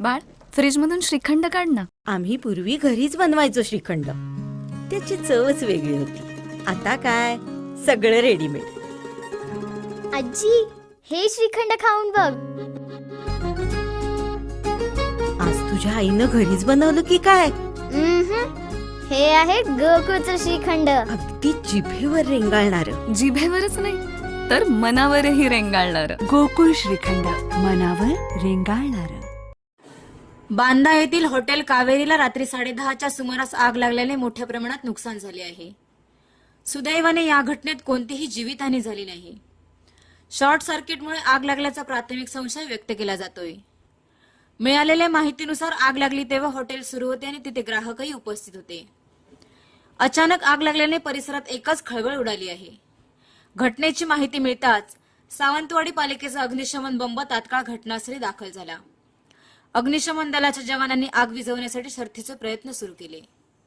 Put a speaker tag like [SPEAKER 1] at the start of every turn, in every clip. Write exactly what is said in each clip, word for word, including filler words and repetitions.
[SPEAKER 1] बाळ, फ्रीज मधून श्रीखंड काढ ना.
[SPEAKER 2] आम्ही पूर्वी घरीच बनवायचो श्रीखंड. त्याची चवच वेगळी होती. आता काय सगळं रेडीमेड.
[SPEAKER 3] आजी, हे श्रीखंड खाऊन बघ.
[SPEAKER 2] आज तुझ्या आईनं घरीच बनवलं की काय?
[SPEAKER 3] उम्हम. हे आहे गोकुळचं श्रीखंड.
[SPEAKER 2] अगदी जिभेवर रेंगाळणार.
[SPEAKER 1] जिभेवरच नाही तर मनावरही रेंगाळणार.
[SPEAKER 4] गोकुळ श्रीखंड, मनावर रेंगाळणार.
[SPEAKER 5] बांदा येथील हॉटेल कावेरीला रात्री साडेदहाच्या सुमारास आग लागल्याने मोठ्या प्रमाणात नुकसान झाले आहे. सुदैवाने या घटनेत कोणतीही जीवितहानी झाली नाही. शॉर्ट सर्किटमुळे आग लागल्याचा प्राथमिक संशय व्यक्त केला जातोय. मिळालेल्या माहितीनुसार आग लागली तेव्हा हॉटेल सुरू होते आणि तिथे ग्राहकही उपस्थित होते. अचानक आग लागल्याने परिसरात एकच खळबळ उडाली आहे. घटनेची माहिती मिळताच सावंतवाडी पालिकेचा अग्निशमन बंब तात्काळ घटनास्थळी दाखल झाला. अग्निशमन दलाच्या जवानांनी आग विझवण्यासाठी शर्थीचे प्रयत्न सुरू केले.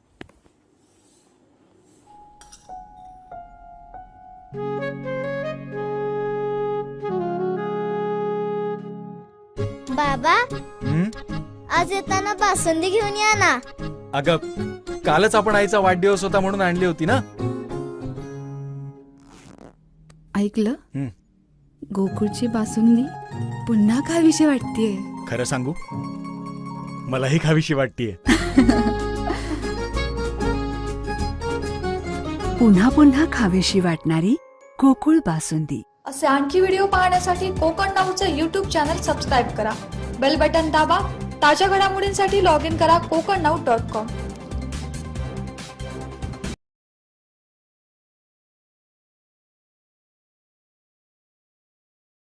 [SPEAKER 3] बाबा,
[SPEAKER 6] हं?
[SPEAKER 3] आज येताना बासुंदी घेऊन या ना.
[SPEAKER 6] अगं, कालच आपण आईचा वाढदिवस होता म्हणून आणली होती ना.
[SPEAKER 4] ऐकलं?
[SPEAKER 6] हं.
[SPEAKER 4] गोकुळची बासुंदी पुन्हा खावीशी वाटतेय.
[SPEAKER 6] खरं सांगू, मलाही खावीशी वाटतीये.
[SPEAKER 4] पुन्हा पुन्हा खावीशी वाटणारी गोकुळ बासुंदी.
[SPEAKER 7] असे आणखी व्हिडिओ पाहण्यासाठी कोकण नाऊचं यूट्यूब चॅनल सबस्क्राईब करा. बेल बटन दाबा. ताज्या घडामोडींसाठी लॉग इन करा कोकण नाऊ डॉट कॉम.